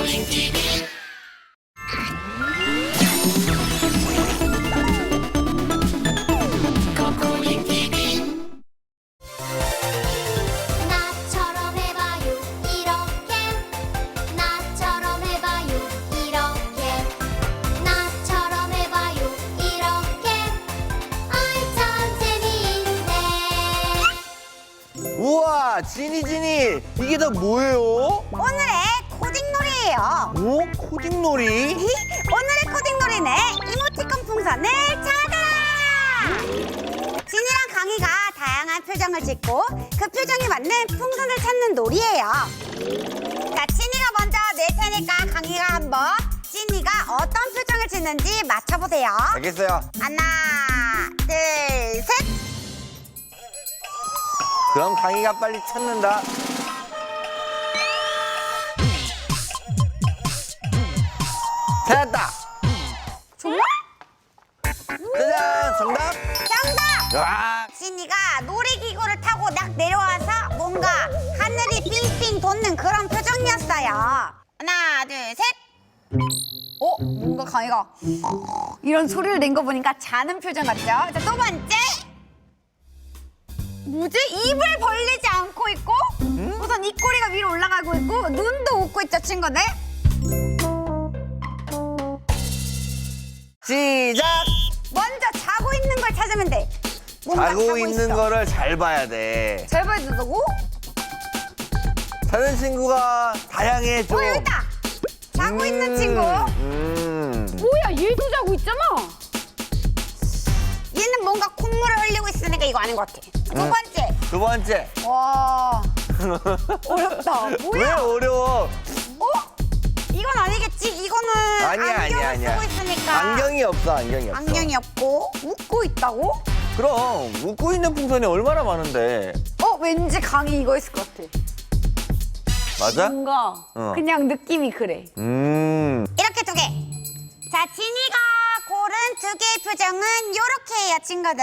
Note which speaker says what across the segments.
Speaker 1: 나처럼 해봐요 이렇게 나처럼 해봐요 이렇게 나처럼 해봐요 이렇게 아이 참 재미있네.
Speaker 2: 우와, 지니 이게 다 뭐예요?
Speaker 3: 오늘의 코딩놀이에요.
Speaker 2: 오, 코딩놀이?
Speaker 3: 오늘의 코딩놀이는 이모티콘 풍선을 찾아라! 진이랑 강희가 다양한 표정을 짓고 그 표정에 맞는 풍선을 찾는 놀이에요. 자, 진이가 먼저 낼 테니까 강희가 한번 진이가 어떤 표정을 짓는지 맞춰보세요.
Speaker 2: 알겠어요.
Speaker 3: 하나, 둘, 셋!
Speaker 2: 그럼 강희가 빨리 찾는다. 찾았다.
Speaker 3: 정말?
Speaker 2: 짜잔, 정답.
Speaker 3: 정답!
Speaker 2: 와,
Speaker 3: 진이가 놀이기구를 타고 딱 내려와서 뭔가 하늘이 빙빙 돕는 그런 표정이었어요. 하나, 둘, 셋. 뭔가 강희가 이런 소리를 낸 거 보니까 자는 표정 같죠? 자, 두 번째. 뭐지? 입을 벌리지 않고 있고 우선 입꼬리가 위로 올라가고 있고 눈도 웃고 있죠, 친구들?
Speaker 2: 시작.
Speaker 3: 먼저 자고 있는 걸 찾으면 돼. 뭔가
Speaker 2: 자고 있는
Speaker 3: 있어.
Speaker 2: 거를 잘 봐야 돼.
Speaker 3: 잘 봐야 된다고?
Speaker 2: 자는 친구가 다양해 좀.
Speaker 3: 여기 있다. 자고 있는 친구.
Speaker 4: 뭐야, 얘도 자고 있잖아.
Speaker 3: 얘는 뭔가 콧물을 흘리고 있으니까 이거 아닌 것 같아. 두 번째.
Speaker 2: 두 번째.
Speaker 3: 와. 어렵다.
Speaker 2: 왜
Speaker 3: 뭐야?
Speaker 2: 어려워?
Speaker 3: 이건 아니겠지? 이거는
Speaker 2: 아니야,
Speaker 3: 안경을
Speaker 2: 아니야.
Speaker 3: 쓰고 있으니까.
Speaker 2: 안경이 없어, 안경이 없어.
Speaker 3: 안경이 없고 웃고 있다고?
Speaker 2: 그럼 웃고 있는 풍선이 얼마나 많은데.
Speaker 3: 왠지 강이 이거 있을 것 같아.
Speaker 2: 맞아?
Speaker 4: 뭔가
Speaker 3: 그냥 느낌이 그래. 이렇게 두 개. 자, 진이가 고른 두 개의 표정은 요렇게예요, 친구들.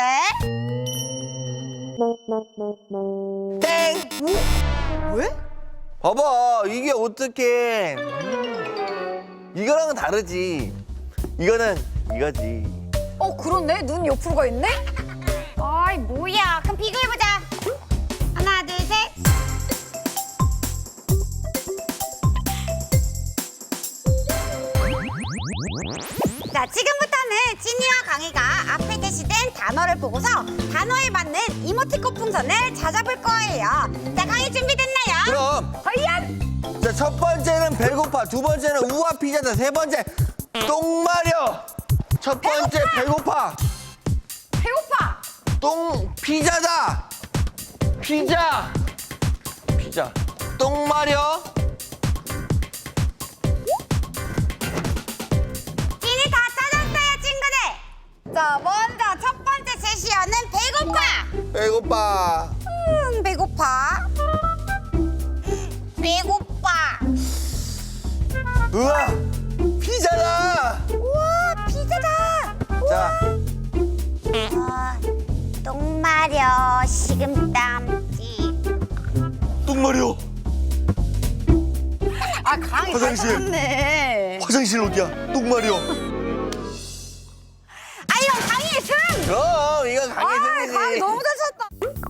Speaker 2: 땡!
Speaker 3: 왜?
Speaker 2: 봐봐, 이게 어떡해. 이거랑은 다르지. 이거는 이거지.
Speaker 3: 그렇네. 눈 옆으로 가 있네? 아이, 뭐야. 그럼 비교해보자. 하나, 둘, 셋. 자, 지금부터는 진이와 강희가 앞에 게시된 단어를 보고서 단어에 맞는 이모티콘 풍선을 찾아볼 거예요. 자, 강희 준비됐나요?
Speaker 2: 그럼
Speaker 3: 과연?
Speaker 2: 자, 첫 번째는 배고파, 두 번째는 우와 피자다, 세 번째 똥 마려. 첫 번째 배고파.
Speaker 3: 배고파.
Speaker 2: 똥 피자다. 피자. 똥 마려.
Speaker 3: 진이 다 찾았어요, 친구들. 자, 먼저 첫 번째 제시어는 배고파.
Speaker 2: 배고파.
Speaker 3: 배고파. 배고파.
Speaker 2: 우와 피자다.
Speaker 3: 우와, 피자다.
Speaker 2: 자,
Speaker 3: 똥 마려 식은땀지.
Speaker 2: 똥 마려.
Speaker 3: 강이
Speaker 2: 화장실.
Speaker 3: 찾았네.
Speaker 2: 화장실 어디야? 똥 마려.
Speaker 3: 이건 강이의 승.
Speaker 2: 그럼 이거 강의 승이지.
Speaker 3: 강이 너무 잘 찾았다.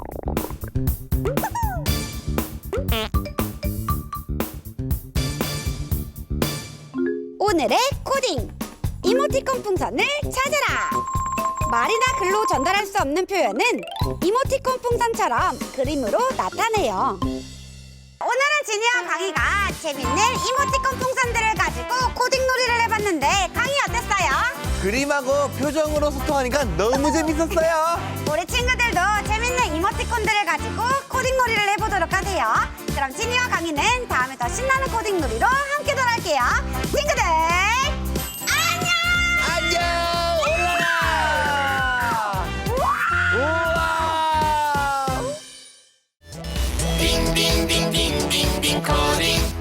Speaker 3: 오늘의 코딩 이모티콘 풍선을 찾아라. 말이나 글로 전달할 수 없는 표현은 이모티콘 풍선처럼 그림으로 나타내요. 오늘은 진이와 강희가 재밌는 이모티콘 풍선들을 가지고 코딩 놀이를 해봤는데 강희 어땠어요?
Speaker 2: 그림하고 표정으로 소통하니까 너무 재밌었어요.
Speaker 3: 우리 친구들도 재밌는 이모티콘들을 가지고 코딩 놀이를 해보도록 하세요. 그럼 진이와 강희는 다음에 더 신나는 코딩 놀이로 함께 돌아올게요. 친구들 안녕!
Speaker 2: 안녕. 올라라. 우와.
Speaker 5: 빙빙빙빙빙빙 코딩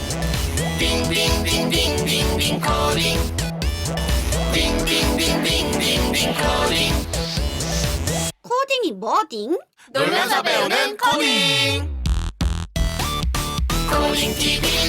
Speaker 5: 빙빙빙빙빙빙 코딩 빙빙빙빙빙빙 코딩
Speaker 3: 코딩이 뭐딩?
Speaker 5: 놀면서 배우는 코딩 코딩 TV